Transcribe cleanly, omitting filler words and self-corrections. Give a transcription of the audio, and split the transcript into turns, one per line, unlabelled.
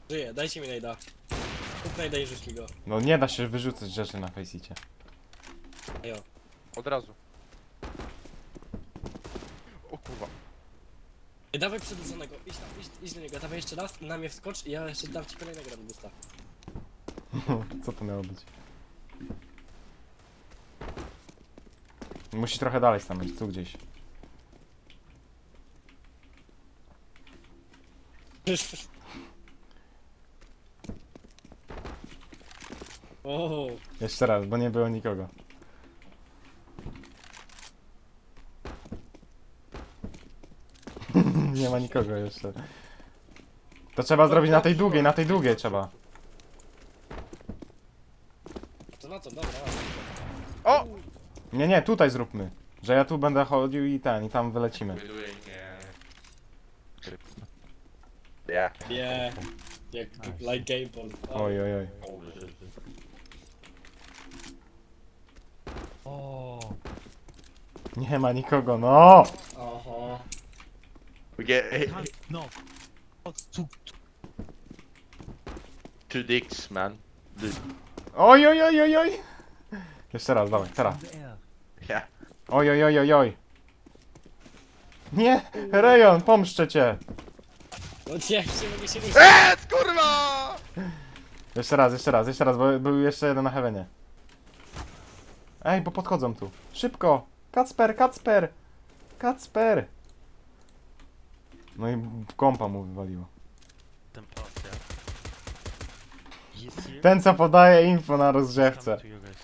Żyję, dajcie mi najda. Kup najda i rzuć mi go.
No nie da się wyrzucać rzeczy na Faceicie.
Ejo.
Od razu. O kurwa.
Ej, dawaj przedłużonego, idź tam, idź do niego, dawaj jeszcze raz, na mnie wskocz i ja jeszcze dam ci kolejnego rambusta.
Co to miało być? Musi trochę dalej stanąć, tu gdzieś.
O,
Jeszcze raz, bo nie było nikogo. Nie ma nikogo jeszcze. To trzeba zrobić na tej długiej trzeba.
to na to, dobra.
O!
Nie, tutaj zróbmy. Że ja tu będę chodził i tam wylecimy.
Yeah.
Yeah. Jak like game ball.
Oj.
O,
Nie ma nikogo, no!
Oho.
We get
no. Tu,
two dicks, man.
Oj. Jeszcze raz, dawaj, teraz.
Yeah.
Oj. Nie! Rejon, pomszczę cię!
No nie, nie mogę się ruszyć.
Kurwa!
Jeszcze raz, bo był jeszcze jeden na heavenie. Ej, bo podchodzą tu. Szybko! Kacper! No i kompa mu wywaliło.
ten pas, yeah. He's here.
Ten co podaje info na rozgrzewce.
Come to you guys.